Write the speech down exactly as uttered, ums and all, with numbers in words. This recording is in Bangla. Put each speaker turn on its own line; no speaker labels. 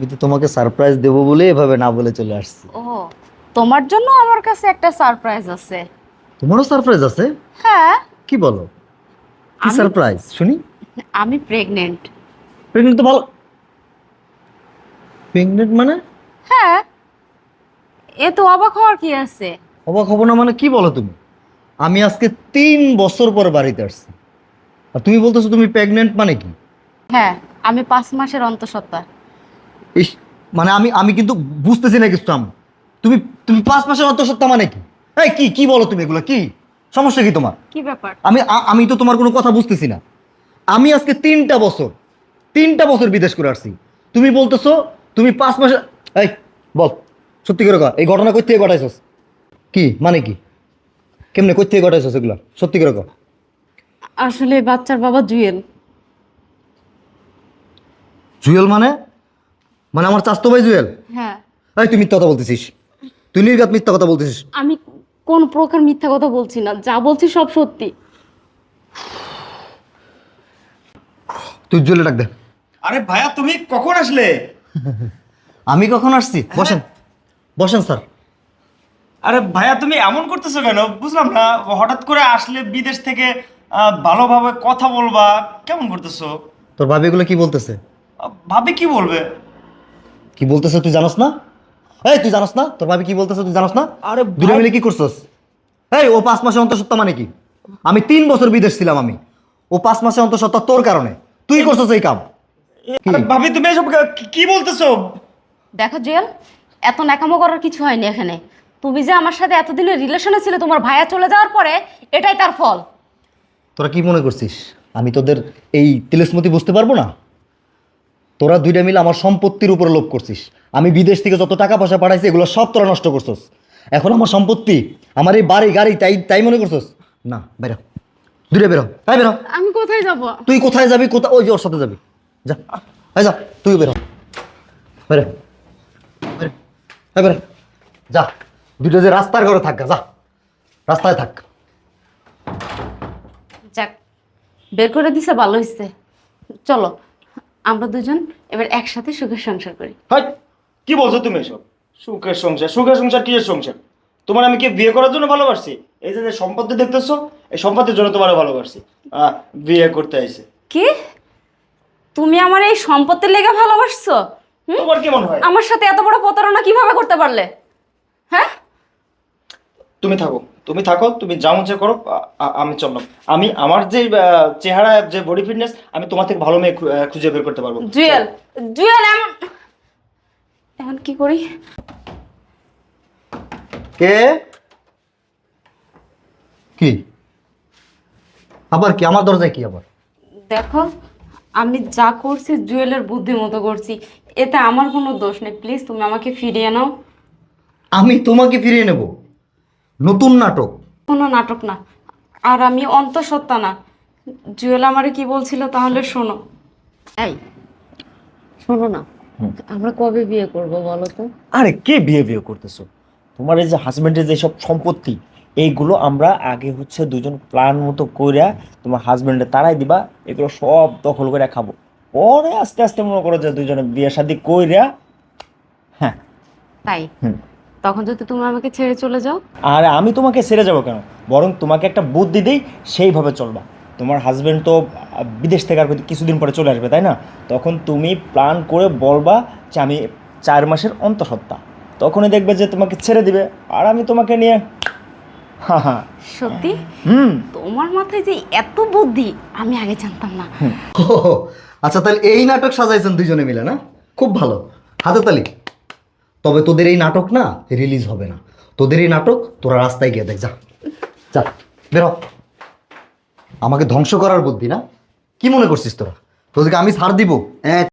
আমি তো তোমাকে সারপ্রাইজ দেবো বলে এভাবে না বলে চলে আসছি।
ও, তোমার জন্য আমার কাছে একটা সারপ্রাইজ আছে।
তোমারও সারপ্রাইজ আছে?
হ্যাঁ,
কি বলো? কি
আমি-
সারপ্রাইজ শুনি।
আমি প্রেগনেন্ট।
প্রেগনেন্ট তো ভালো। প্রেগনেন্ট মানে?
হ্যাঁ, এ তো অবাক হওয়ার কি আছে?
অবাক হবো না মানে কি বলো তুমি? আমি আজকে তিন বছর পর বাড়িতে আসছি, আর তুমি বলতেছো তুমি প্রেগনেন্ট মানে কি?
হ্যাঁ, আমি পাঁচ মাসের অন্তঃসত্ত্বা।
ইস, মানে আমি আমি কিন্তু বুঝতেছি না কিছু। আমি তুমি তুমি পাঁচ মাসের অন্তঃসত্ত্বা মানে কি? এই কি কি বলো তুমি এগুলো? কি সমস্যা কি তোমার?
কি ব্যাপার?
আমি আ- আমি তো তোমার কোনো কথা বুঝতেছি না। আমি আজকে তিনটা বছর তিনটা বছর বিদেশ করে আসছি, তুমি বলতেছো তুমি পাঁচ মাসে। এই বল, সত্যি করে কর, এই ঘটনা কই থেকে ঘটাইছস? কি মানে কি? কেমনে কই থেকে ঘটাইছস এগুলো? সত্যি করে কর।
আসলে বাচ্চার বাবা জুয়েল।
জুয়েল মানে? মানে আমার চাস্তো ভাই জুয়েল?
হ্যাঁ।
এই তুই মিথ্যা কথা বলতেছিস, তুই নির্ঘাত মিথ্যা কথা বলতেছিস।
আমি কোন প্রকার মিথ্যা কথা বলছি না, যা বলছি সব সত্যি।
তুই জুয়েলে ডাক দে।
আরে ভাইয়া তুমি কখন আসলে?
আমি কখন আসছি? বসেন বসেন স্যার।
আরে ভাইয়া তুমি এমন করতেছো কেন বুঝলাম না, হঠাৎ করে আসলে বিদেশ থেকে আহ, ভালোভাবে কথা বলবা, কেমন করতেছো?
তোর ভাবি এগুলো কি বলতেছে?
আহ, ভাবি কি বলবে?
কি বলতেছে তুই জানোস না? এই তুই জানোস না তোর ভাবি কি বলতেছে? তুই জানোস না?
আরে
দুটো
ভাই-
মিলে কি করছস? এই ও পাঁচ মাসে অন্তঃসত্ত্বা মানে কি? আমি তিন বছর বিদেশ ছিলাম, আমি ও পাঁচ মাসে অন্তঃসত্ত্বা তোর কারণে। তুই করছস এই কাম। কি?
আরে ভাবি তুমি এসব কি- কি বলতেছো?
দেখো জুয়েল, এত ন্যাকামো করার কিছু হয়নি এখানে। তুমি যে আমার সাথে এতদিনের রিলেশনে ছিল, তোমার ভাইয়া চলে যাওয়ার পরে এটাই তার ফল।
তোরা কি মনে করছিস আমি তোদের এই তিলেসমতি বুঝতে পারবো না? তোরা দুইটা মিলে আমার সম্পত্তির উপরে লোভ করছিস। আমি বিদেশ থেকে যত টাকা পয়সা পাঠাইছি এগুলো সব তোরা নষ্ট করছস। এখন আমার সম্পত্তি, আমার এই বাড়ি গাড়ি, তাই তাই মনে করছস? না, বেরো, দূরে বেরো, তাই বেরো।
আমি কোথায় যাব?
তুই কোথায় যাবি? কোথায়? ওই যে ওর সাথে যাবি, যা, এই যা, তুই বেরো, বেরো, বেরো, এই বেরো, যা। দুটো যে রাস্তার ঘরে থাক, যা, রাস্তায় থাক।
যাক, বের করে দিছে, ভালো হয়েছে। চলো আমরা দুজন এবার একসাথে সুখের সংসার করি।
হাই, কি বলছো তুমি এসব? সুখের সংসার? সুখের সংসার কিসের সংসার? তোমার আমি কি বিয়ে করার জন্য ভালোবাসছি? এই যে যে সম্পত্তি দেখতেছো, এই সম্পত্তির জন্য তোমার ভালোবাসছি। আহ বিয়ে করতে আইছে।
কি? তুমি আমার এই সম্পত্তির লেগে ভালোবাসছো? হুম?
তোমার কি মনে হয়?
আমার সাথে এত বড় প্রতারণা কিভাবে করতে পারলে? হ্যাঁ,
তুমি থাকো, তুমি থাকো, তুমি যা মন চায় করো। আ- আ- আমি চললাম। আমি আমার যে আহ, চেহারা, যে বডি ফিটনেস, আমি তোমার থেকে ভালো মেয়ে খু- আহ, খুঁজে বের করতে পারবো।
জুয়েল, জুয়েল এমন এখন কি করি?
কে? কি আবার? কি আমার দরজায় কি আবার?
দেখো, আমি যা করছি জুয়েলের বুদ্ধি মতো করছি, এতে আমার কোনো দোষ নেই। প্লিজ তুমি আমাকে ফিরিয়ে নাও।
আমি তোমাকে ফিরিয়ে নেব? নতুন নাটক?
কোনো নাটক না, আর আমি অন্তঃসত্ত্বা না। জুয়েল আমারে কি বলছিল তাহলে শোনো। এই শোনো না, আমরা কবে বিয়ে করব বলো তো?
আরে কে বিয়ে বিয়ে করতেছো? তোমার এই যে হাজবেন্ডের যে সব সম্পত্তি, এইগুলো আমরা আগে হচ্ছে দুজন প্ল্যান মতো কইরা তোমার হাজবেন্ডে তাড়াই দিবা, এগুলো সব দখল করে খাবো। পরে আস্তে আস্তে মনে করো যে দুজনে বিয়ে শাদী কইরা। হ্যাঁ।
তাই?
হুম।
তখন যদি তুমি আমাকে ছেড়ে চলে যাও?
আর আমি তোমাকে ছেড়ে যাব কেন? বরং তোমাকে একটা বুদ্ধি দিই, সেইভাবে চলবা। তোমার হাজবেন্ড তো আহ, বিদেশ থেকে আর কিছুদিন পরে চলে আসবে, তাই না? তখন তুমি প্ল্যান করে বলবা যে আমি চার মাসের অন্তঃসত্ত্বা। তখনই দেখবে যে তোমাকে ছেড়ে দিবে, আর আমি তোমাকে নিয়ে হ্যাঁ হ্যাঁ।
সত্যি?
হুম।
তোমার মাথায় যে এত বুদ্ধি আমি আগে জানতাম না।
ও, আচ্ছা, তাহলে এই নাটক সাজাইছেন দুজনে মিলে, না? খুব ভালো, হাতে তালি। তবে তোদের এই নাটক না রিলিজ হবে না। তোদের এই নাটক তোরা রাস্তায় গিয়ে দেখ, যা, যা, বেরো। আমাকে ধ্বংস করার বুদ্ধি না? কি মনে করছিস তোরা? তোদেরকে আমি ছাড় দিব? এক